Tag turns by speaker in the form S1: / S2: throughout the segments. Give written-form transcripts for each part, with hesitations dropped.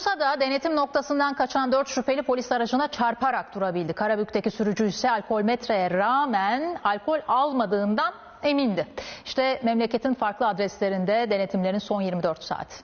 S1: Bursa'da denetim noktasından kaçan 4 şüpheli polis aracına çarparak durabildi. Karabük'teki sürücü ise alkolmetreye rağmen alkol almadığından emindi. İşte memleketin farklı adreslerinde denetimlerin son 24 saati.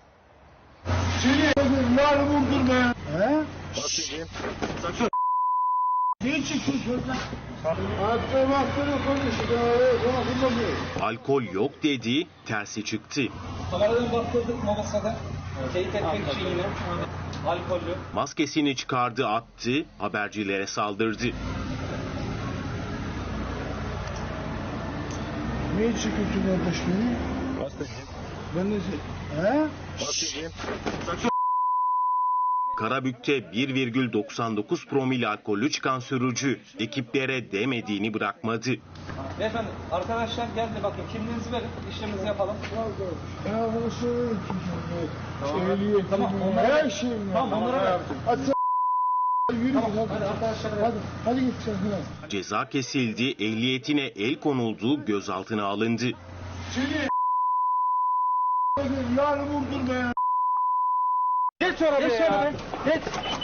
S2: Alkol yok dedi, tersi çıktı.
S3: Kameradan baktırdık Mobasa'da. Teyit etmek için yine alkollü.
S2: Maskesini çıkardı, attı, habercilere saldırdı.
S4: Ne için kötü kardeş beni? Ben de
S2: Karabük'te 1,99 promil alkollü çıkan sürücü ekiplere demediğini bırakmadı.
S3: Beyefendi arkadaşlar geldi bakın kimliğinizi verin işlemimizi yapalım.
S4: Ben arkadaşlar
S3: Tamam.
S4: her şeyim.
S3: Tamam onlara ver.
S4: Yürü
S3: Tamam, hadi arkadaşlar.
S4: Hadi git sen.
S2: Ceza kesildi, ehliyetine el konuldu, gözaltına alındı.
S4: Seni yarın vurdur be.
S3: Geç arabaya. Geç.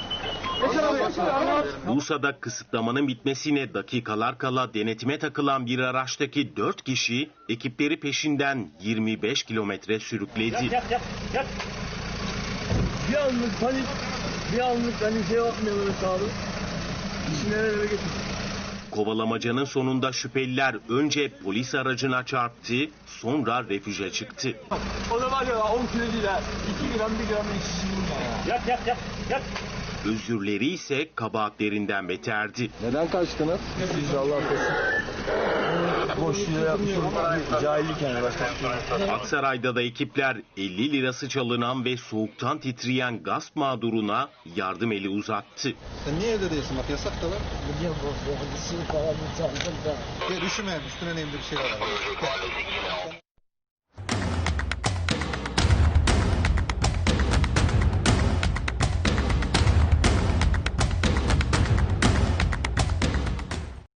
S2: Bursa'da kısıtlamanın bitmesine dakikalar kala denetime takılan bir araçtaki 4 kişi ekipleri peşinden 25 kilometre sürükledi.
S4: Bir anlık panik, hani şey yapmıyor böyle sağlık. İşi nerelere getir.
S2: Kovalamacanın sonunda şüpheliler önce polis aracına çarptı, sonra refüje çıktı.
S4: O da var ya 10 kilo değil ha. 2 gram 1 gram içişim ya.
S3: Yat.
S2: Özürleri ise kabahatlerinden beterdi.
S5: Neden kaçtınız? Siz Allah affetsin.
S4: Boş yere yapmışım. Cahillik yani başka bir şey.
S2: Aksaray'da da ekipler 50 lirası çalınan ve soğuktan titreyen gasp mağduruna yardım eli uzattı.
S5: Sen niye evde değilsin? Bak yasak da var.
S4: Biliyorum bu. Falan bir çaldım da.
S5: Gel üşüme. Üstüne neyimde bir şey var.